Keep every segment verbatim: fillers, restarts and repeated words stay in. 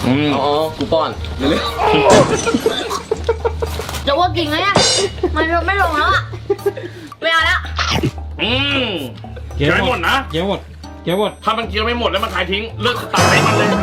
อ๋อกูป้อนเร็วๆจะว่ากินไงอ่ะมันไม่ลงแล้วอ่ะไม่เอาแล้วอืมเกี่ยวไม่หมดนะเกี่ยวหมดเกี่ยวหมดถ้ามันเกี่ยวไม่หมดแล้วมันขายทิ้งเลิกตัดให้มันเลย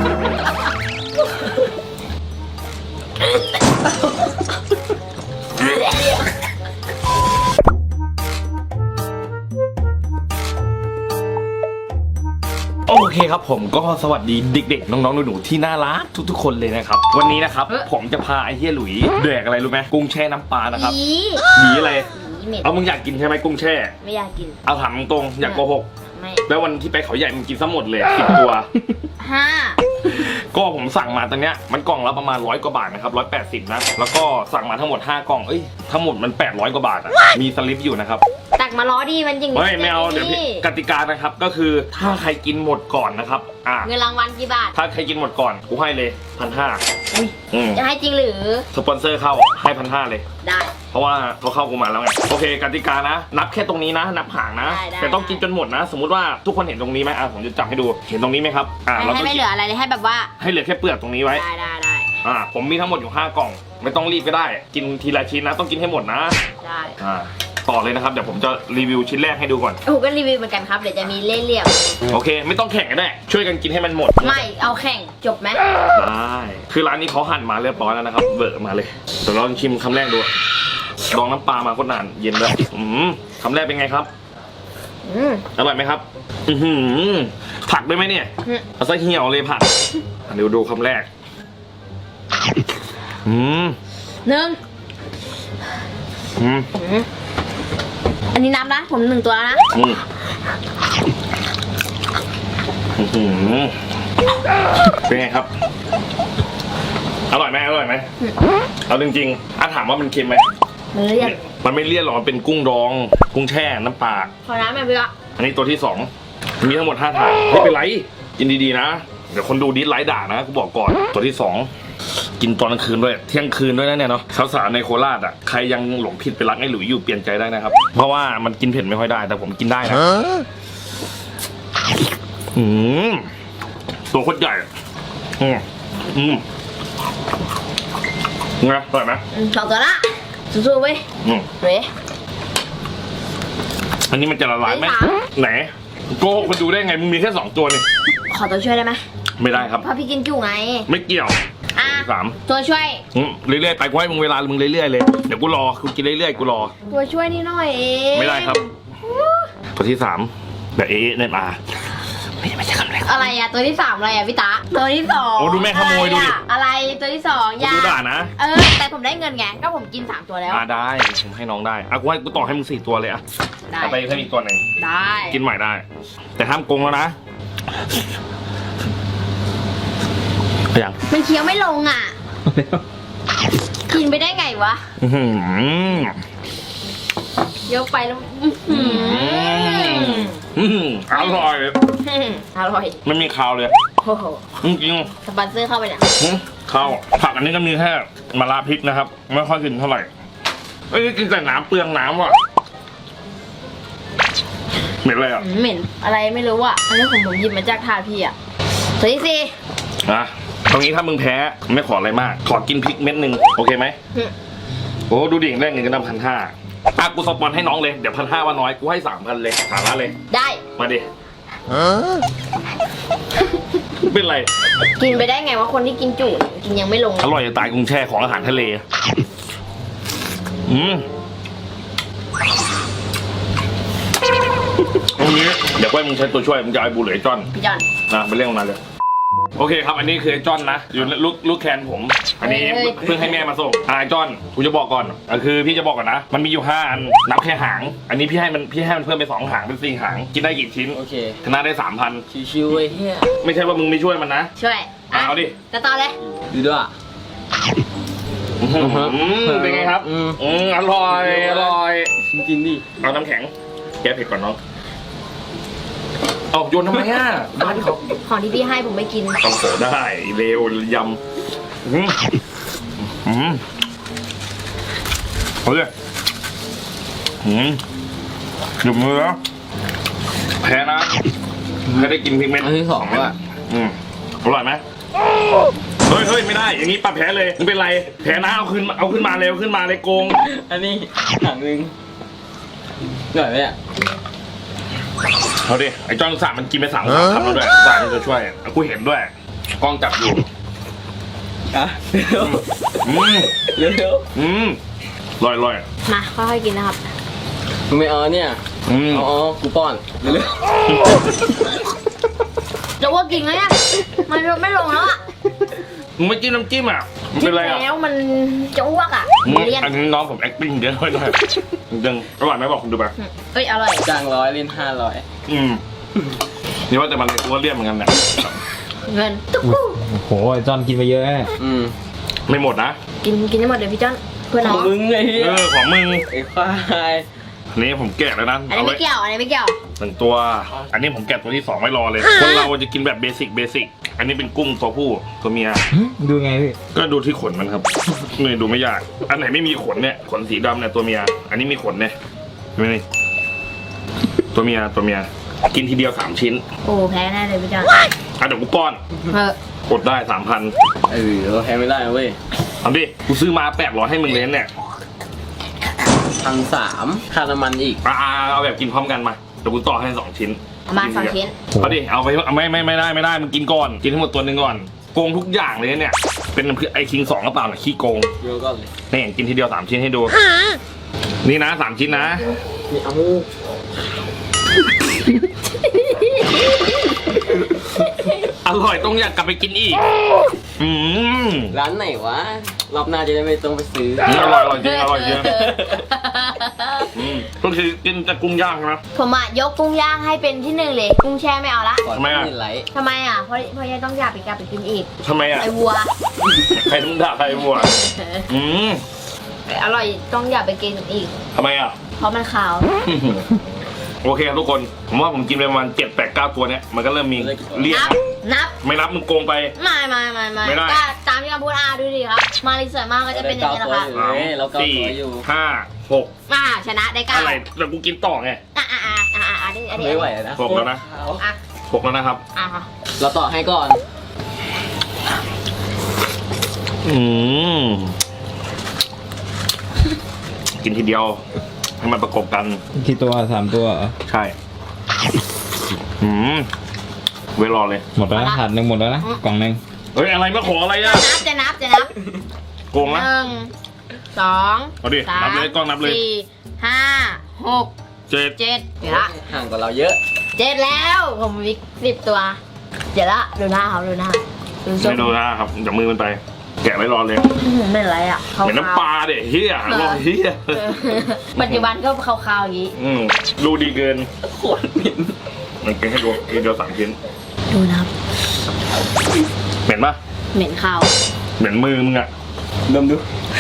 โอเคครับผมก็สวัสดีเด็กๆน้องๆหนูๆที่น่ารักทุกๆคนเลยนะครับวันนี้นะครับผมจะพาไอ้เฮียหลุยแดกอะไรรู้ไหมกุ้งแช่น้ำปลานะครับหนีอะไรเอามึงอยากกินใช่ไหมกุ้งแช่ไม่อยากกินเอาถามตรงๆอยากโกหกไม่แล้ววันที่ไปเขาใหญ่มึงกินซะหมดเลยสิบตัวห้าก็ผมสั่งมาตอนเนี้ยมันกล่องละประมาณร้อยกว่าบาทนะครับร้อยแปดสิบนะแล้วก็สั่งมาทั้งหมดห้ากล่องเอ้ยทั้งหมดมันแปดร้อยกว่าบาทอ่ะมีสลิปอยู่นะครับตักมาล้อดีมันจริงไม่ไม่เอาเดี๋ยวกติกานะครับก็คือถ้าใครกินหมดก่อนนะครับอ่าเงินรางวัลกี่บาทถ้าใครกินหมดก่อนกูให้เลยพันห้าจะให้จริงหรือสปอนเซอร์เข้าให้พันห้าเลยได้เพราะว่าเขาเข้ากูมาแล้วไงโอเคกติกานะนับแค่ตรงนี้นะนับห่างนะแต่ต้องกินจนหมดนะสมมติว่าทุกคนเห็นตรงนี้ไหมอ่ะผมจะจับให้ดูเห็นตรงนี้ไหมครับอ่าเราให้ไม่เหลืออะไรเลยให้แบบว่าให้เหลือแค่เปลือกตรงนี้ไว้ได้ได้ได้อ่าผมมีทั้งหมดอยู่ห้ากล่องไม่ต้องรีบก็ได้กินทีละชิ้นนะต้องกินให้หมดนะได้อ่าต่อเลยนะครับเดี๋ยวผมจะรีวิวชิ้นแรกให้ดูก่อนโอ้ก็รีวิวเหมือนกันครับเดี๋ยวจะมีเล่เหลี่ยมโอเคไม่ต้องแข่งกันแน่ช่วยกันกินให้มันหมดไม่เอาแข่งจบไหมได้คือร้านนี้เขาหั่นมาเรียบร้อยแล้วนะครับเบิร์มาเลยเดี๋ยวลองชิมคำแรกดูลองน้ำปลามาก็นานเย็นเลยอืมคำแรกเป็นไงครับอืมอร่อยไหมครับอือหือผักได้ไหมเนี่ยเอาซะเหี่ยวเลยผักเดี๋ยวดูคำแรกอืมหนึ่งอืมอันนี้นับนะผมหนึ่งตัวแล้วนะอืมอืมเป็นไงครับอร่อยไหมอร่อยไหมเอาจริงๆอาถามว่ามันเค็มไหมมันเลี่ยนมันไม่เลี่ยนหรอกมันเป็นกุ้งดองกุ้งแช่น้ำปลาขอน้ำหน่อยพี่ละอันนี้ตัวที่สองมีทั้งหมดห้าถาดไม่เป็นไรกินดีๆนะเดี๋ยวคนดูดิสไลค์ด่านะกูบอกก่อนตัวที่สองกินตอนกลางคืนด้วยเที่ยงคืนด้วยนะเนี่ยเนาะสาวๆในโคราชอ่ะใครยังหลงผิดไปรักไอ้หลุยอยู่เปลี่ยนใจได้นะครับเพราะว่ามันกินเผ็ดไม่ค่อยได้แต่ผมกินได้นะอืมตัวโคตรใหญ่อืมอืมไงอร่อยไหมสองตัวละสู้ๆเว้ยอืมเว้ยอันนี้มันจะละลายไหมไหนโกหกคนดูได้ไงมึงมีแค่สองตัวนี่ขอตัวช่วยได้ไหมไม่ได้ครับเพราะพี่กินจุ่ไงไม่เกี่ยวสามตัวช่วยเรื่อยๆไปกูให้มึงเวลามึงเรื่อยๆเลยเดี๋ยวกูรอกูกินเรื่อยๆกูรอตัวช่วยนี่หน่อยเองไม่ได้ครับตัวที่สามแบบเอ๊ะเนี่ยมาไม่ไม่ใช่คำแรกอะไรอะตัวที่สามอะไรอะพี่ตาตัวที่สองโอ้ดูแม่ขโมยดูดิอะไรตัวที่สองยาดูด่านะเออแต่ผมได้เงินไงก็ผมกินสามตัวแล้วอ่าได้ผมให้น้องได้อ่ะกูให้กูต่อให้มึงสี่ตัวเลยอ่ะได้ไปให้มีตัวหนึ่งได้กินใหม่ได้แต่ห้ามโกงแล้วนะยังมันเคี้ยวไม่ลงอ่ะกินไปได้ไงวะเยอะไปแล้วอร่อยอร่อยไม่มีคาวเลยโอ้โหจริงสปอนเซอร์เข้าไปเนี่ยข้าวผักอันนี้ก็มีแค่มะระพริกนะครับไม่ค่อยกินเท่าไหร่เอ้ยกินแต่น้ำเปลืองน้ำว่ะเหม็นอะไรอ่ะเหม็นอะไรไม่รู้อ่ะอันนี้ผมผมหยิบมาจากถาดพี่อ่ะตัวที่สี่นะตรงนี้ถ้ามึงแพ้ไม่ขออะไรมากขอกินพริกเม็ดหนึ่งโอเคไหมโอ้ดูดิแรกเงินก็นำพันห้าอ่ะกูสปอนให้น้องเลยเดี๋ยวพันห้าว่าน้อยกูให้สามพันเลยสามล้านเลยได้มาดิเป็นไรกินไปได้ไงว่าคนที่กินจุกินยังไม่ลงอร่อยจะตายกุ้งแช่ของอาหารทะเลอืมตรงนี้เดี๋ยวไว้มึงใช้ตัวช่วยมึงจะเอาไอ้บูหรือไอ้จอนพี่จอนนะไปเรื่องมาเลยโอเคครับอันนี้คือไอ้จอนนะอยู่ลูกลูกแคนผมอันนี้เพิ่งให้แม่มาส่งไอ้จอนกูจะบอกก่อนคือพี่จะบอกก่อนนะมันมีอยู่ห้าอันนับแค่หางอันนี้พี่ให้มันพี่ให้มันเพิ่มไปสองหางเป็นสี่หางกินได้กี่ชิ้นโอเคชนะได้สามพันชิวๆเว้ยเฮียไม่ใช่ว่ามึงไม่ช่วยมันนะช่วยเอาดิจะต่อเลยดูด้วยเป็นไงครับอืมอร่อยอร่อยกินดิเอาน้ำแข็งแก้เผ็ดก่อนน้องเอาโยนทำไมอ่ะบ้านเขาของที่พี่ให้ผมไม่กินต้องโผล่ได้เร็วยำอืมอืมเฮ้ยอืมหยุดมือแล้วแพ้นะแพ้ได้กินพริกเม็ดอันที่สองว่ะอืมอร่อยไหมเฮ้ยฮ้ยไม่ได้อย่างนี้ปรับแพ้เลยมึงเป็นไรแพ้นะเอาขึ้นมาเอาขึ้นมาเร็วขึ้นมาเลยโกงอันนี้ถังหนึงหน่อยไหมเนี่ยเอาดิไอ้จอนสามมันกินไปสามสามคำแล้วด้วยสามมันจะช่วยกูเห็นด้วยกล้องจับอยู่อ่ะเร็วอืมเร็วเร็วอืมลอยลอยมาค่อยๆกินนะครับมึงไม่เอาเนี่ยอืมอ๋อกูป้อนเร็วเร็วจะว่ากินไหมอ่ะมันไม่ลงแล้วอ่ะมึงไม่จิ้มน้ำจิ้มอ่ะมันกิเป็น นไรอ่ะแล้วมันจะอ้วกอ่ะอืมเลี่ยนอันนี้น้องผม acting เยอะหน่อยหน่อยยังอร่อยไหมบอกคุณดูไปเอ้ยอร่อยจ้างร้อยเล่นห้าร้อยอืมนี่ว่าแต่มันตัวเลี่ยนเหมือนกันเนี่ยเงินตุ๊กอุ๊ยโอ้โหไอ้จอนกินไปเยอะแน่อืมไม่หมดนะกินกินให้หมดเดี๋ยวพี่จ้อนเพื่อนขน้ออง งมึงไงเออของมึงไอ้ควายอันนี้ผมแกะแล้วนะอันนี้ไม่เกี่ยวอันนี้ไม่เกี่ยวหนึ่งตัว อันนี้ผมแกะตัวที่สองไว้รอเลยคนเราจะกินแบบเบสิกเบสิกอันนี้เป็นกุ้งตัวผู้ตัวเมียหึดูไงพี่ก็ดูที่ขนมันครับนี่ดูไม่ยาก อันไหนไม่มีขนเนี่ยขนสีดำเนี่ยตัวเมีย อันนี้มีขนเนี่ยไม่นี่ตัวเมียตัวเมียกินทีเดียวสามชิ้นโอ้แพ้แน่เลยพี่จ้อนอ่ะเดี๋ยวกูป้อนเออกดได้สามพันเออเราแพ้ไม่ได้เว้ยเอาดิกูซื้อมาแปดร้อยให้มึงเลยเนี่ยพันสามค่าน้ำมันอีกอ่าเอาแบบกินพร้อมกันมาเดี๋ยวกูต่อให้สองชิ้นเอามาสองชิ้นเอาดิเอาไปเอาไม่ไม่ไม่ได้ไม่ได้มึงกินก่อนกินทั้งหมดตัวหนึ่งก่อนโกงทุกอย่างเลยเนี่ยเป็นไอคิงสองกระเป๋าน่ะขี้โกงเยอะก่อนเลยนี่กินทีเดียวสามชิ้นให้ดู นี่นะสามชิ้นนะนี่เอาอร่อยต้องอยากกลับไปกินอีก อืมร้านไหนวะ รอบหน้าจะได้ไม่ต้องไปซื้ออืมอร่อยอร่อยจริงอร่อยจริงอืมก็คือกินแต่กุ้งย่างใช่ไหมผมอ่ะยกกุ้งย่างให้เป็นที่หนึ่งเลย กุ้งแช่ไม่เอาละทำไมอะไหลทำไมอ่ะเพราะเพราะยังต้องอยากไปกลับไปกินอีกทำไมอ่ะไอวัวใครต้องด่าใครบัวอืมอร่อยต้องอยากไปกินอีกทำไมอ่ะเพราะมันขาวโอเคครับทุกคนผมว่าผมกินไปประมาณเจ็ดแปดเก้าตัวเนี้ยมันก็เริ่มมีเลี่ยนนับ นับไม่นับมึงโกงไปไม่ไม่ไม่ไม่ไม่ได้ก็ตามที่คำพูดอาดูดิครับ มารีสวยมากก็จะเป็นอย่างนี้แหละค่ะสามเฮ้ยเราเกาสี่ตัวอยู่ห้าหกอ่าชนะได้เก้าอะไรแล้วกูกินต่อไงอ่าอ่าอ่าอ่าอ่าอันนี้อันนี้ไม่ไหวนะหกแล้วนะอ่ะหกแล้วนะครับอ่ะค่ะเราต่อให้ก่อนอืมกินทีเดียว ให้มันประกบกันกี่ตัวสามตัวเหรอใช่ อืมไว้รอเลยหมดแล้วนะถาดหนึ่งหมดแล้วนะกล่องหนึ่งเฮ้ย อะไรมาขออะไรอ่ะจะนับจะนับจะนับโกงหนะนึ่งสองเอาดิสามนับเลยกล้องนับเลยสี่ห้าหกเจ็ดเจ็ดเดี๋ยวละห่างกว่าเราเยอะเจ็ดแล้วผมมีสิบตัว เดี๋ยวละดูหน้าเขาดูหน้าดูส้มไม่ดูนะครับเดี๋ยวมือมันไป แกะไว้รอเลยอื้อหือไม่เป็นไรอ่ะขาวเหมือนน้ำปลาเด็เฮียรอเฮียเออปัจจุบันก็ขาวๆอย่างนี้อืมดูดีเกินขวดเหม็นมันกินให้ดูทีเดียวสามชิ้นดูนะครับเหม็นปะเหม็นข้าวเหม็นมือมึงอะดมดู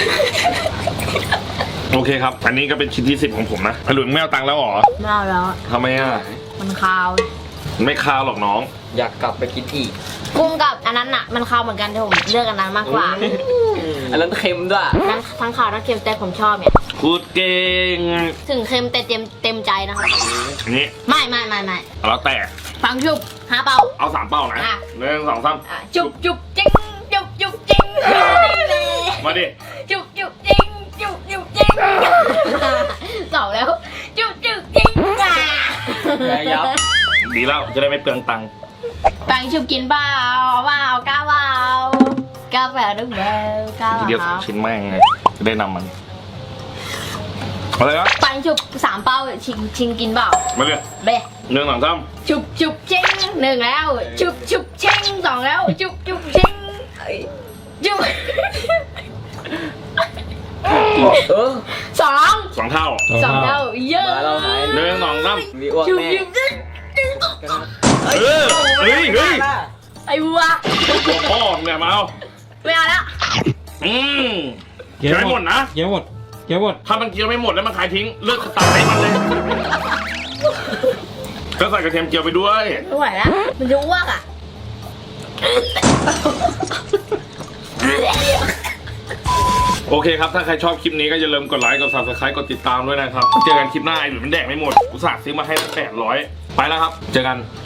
โอเคครับ อันนี้ก็เป็นชิ้นที่สิบของผมนะหลุยมึงไม่เอาตังค์แล้วเหรอไม่เอาแล้วทำไมอะมันข้าวไม่คาวหรอกน้องอยากกลับไปกินอีกกุ้งกับอันนั้นอ่ะมันข้าวเหมือนกันแต่ผมเลือกอันนั้นมากกว่าอันนั้นเค็มด้วยทั้งทั้งข้าวทั้งเค็มแต่ผมชอบเนี่ยพูดเก่งถึงเค็มแต่เต็มเต็มใจนะครับอันนี้ไม่ไม่ไม่ไม่แล้วแต่ฟังชุบหาเป่าเอาสามเป้านะอ่ะหนึ่งสองสามอ่ะจุบจุบจิ้งจุบจุบจิ้งมาดิจุบจุบจิ้งจุบจุบจิ้งสองแล้วจุบจุบจิ้งอ่ะแพ้ยับดีแล้วจะได้ไม่เปลืองตังค์ฟังชุบกินเปล่าเปล่ากล้าเปล่ากล้าเปล่าดึกเบลกล้าทีเดียวเปสอล่างชิ้นแม่งไงจะได้นำมันอะไรวะฟังชุบสามเป้าชิงชิงกินเปล่ามาเลยเบหนึ่งสองสามชุบชุบเชิงหนึ่งแล้วชุบชุบเชิงสองแล้วชุบชุบเชิงเอ้ยชุบเออสองสองเท่าสองเท่าเยอะมาเราหายหนึ่งสองสามมีอ้วกชุบแน่ชุบเชิงเออเฮ้ยเฮ้ยไอ้วัวตัวพ่อมึงเนี่ยมาเอาไม่เอาแล้วอืมเกี่ยวเคี้ยวไม่หมดนะเกี่ยวหมดเกี่ยวหมดถ้ามันเคี้ยวไม่หมดแล้วมันขายทิ้งเลิกตัดให้มันเลยก็ใส่กระเทียมเจียวไปด้วยไม่ไหวแล้วมันจะอ้วกอ่ะโอเคครับ ถ้าใครชอบคลิปนี้ก็อย่าลืมกดไลค์กด ซับสไครบ์กดติดตามด้วยนะครับ เจอกันคลิปหน้าไอ้หลุยมันแดกไม่หมดอุตส่าห์ซื้อมาให้ตั้งแปดร้อยไปแล้วครับ เจอกัน